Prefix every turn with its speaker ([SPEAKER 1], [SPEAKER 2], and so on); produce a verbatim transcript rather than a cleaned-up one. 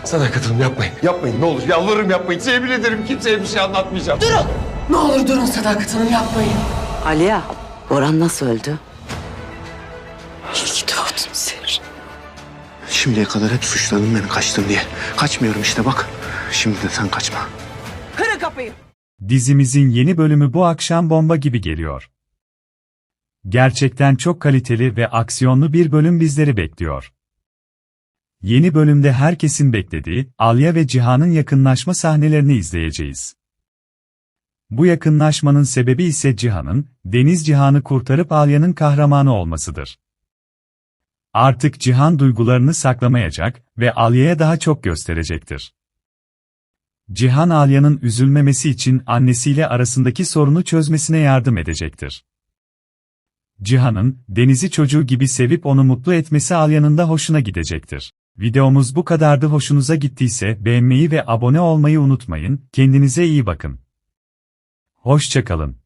[SPEAKER 1] Sadakat Hanım yapmayın. Yapmayın ne olur. Yalvarırım yapmayın. Size yemin ederim kimseye bir şey anlatmayacağım.
[SPEAKER 2] Durun! Ne olur durun Sadakat Hanım yapmayın.
[SPEAKER 3] Aliye, Orhan nasıl öldü?
[SPEAKER 2] İyi ki doğdun Seher.
[SPEAKER 4] Şimdiye kadar hep suçladın beni kaçtın diye. Kaçmıyorum işte bak. Şimdi de sen kaçma.
[SPEAKER 2] Kırın kapıyı.
[SPEAKER 5] Dizimizin yeni bölümü bu akşam bomba gibi geliyor. Gerçekten çok kaliteli ve aksiyonlu bir bölüm bizleri bekliyor. Yeni bölümde herkesin beklediği Alya ve Cihan'ın yakınlaşma sahnelerini izleyeceğiz. Bu yakınlaşmanın sebebi ise Cihan'ın, Deniz Cihan'ı kurtarıp Alya'nın kahramanı olmasıdır. Artık Cihan duygularını saklamayacak ve Alya'ya daha çok gösterecektir. Cihan Alya'nın üzülmemesi için annesiyle arasındaki sorunu çözmesine yardım edecektir. Cihan'ın, Deniz'i çocuğu gibi sevip onu mutlu etmesi Alya'nın da hoşuna gidecektir. Videomuz bu kadardı. Hoşunuza gittiyse beğenmeyi ve abone olmayı unutmayın. Kendinize iyi bakın. Hoşça kalın.